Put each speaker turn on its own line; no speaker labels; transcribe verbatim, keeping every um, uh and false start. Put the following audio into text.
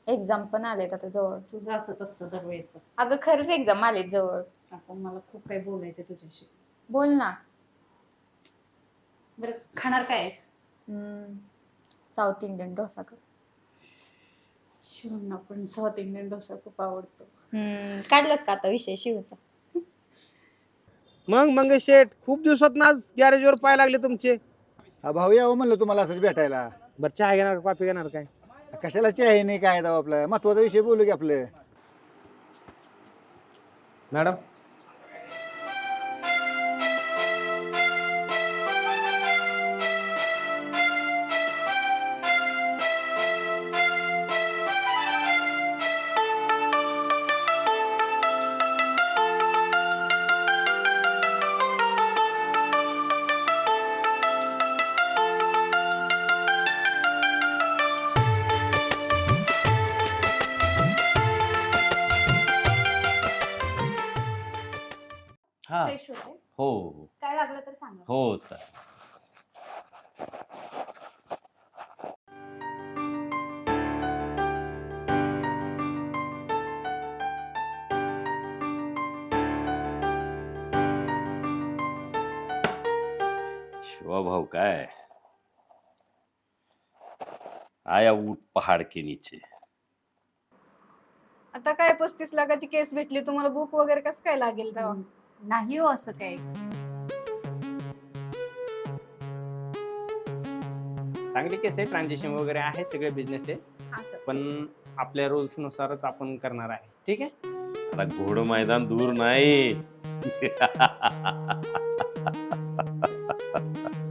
Exam पण आलेत आता जवळ.
तुझं असंच असतं दरवेळेचं.
अगं खरंच एक्झाम आलेत जवळ.
आपण मला खूप काही बोलायचं तुझ्याशी.
बोल ना.
बरं खाणार काय आहेस?
साऊथ इंडियन डोसा कर.
शिवना पण साऊथ इंडियन डोसा खूप आवडतो.
हम्म काढलात का आता विषय शिवचा?
मग मंगेश शेठ खूप दिवसात ना आज गॅरेजवर पाय लागले तुमचे.
हा भाऊ यावं म्हणलं तुम्हाला असंच भेटायला.
बरं चहा घेणार कॉफी घेणार काय?
कशाला आहे नाही काय दाव आपलं महत्वाचा विषय बोलू की आपलं.
मॅडम
हा
फ्रेश होते.
हो हो
काय लागलं तर सांगा.
हो चालेल. शिवाभाऊ काय आया ऊट पहाड़ के नीचे.
आता काय पस्तीस लाखाची केस भेटली तुम्हाला बुक वगैरे कसं काय लागेल तेव्हा?
नाही हो असं काही.
चांगली केस आहे, ट्रान्झॅक्शन वगैरे आहे, सगळे बिझनेस आहे,
असं
पण आपल्या रुल्स नुसारच आपण करणार आहे. ठीक आहे.
आता घोड मैदान दूर नाही.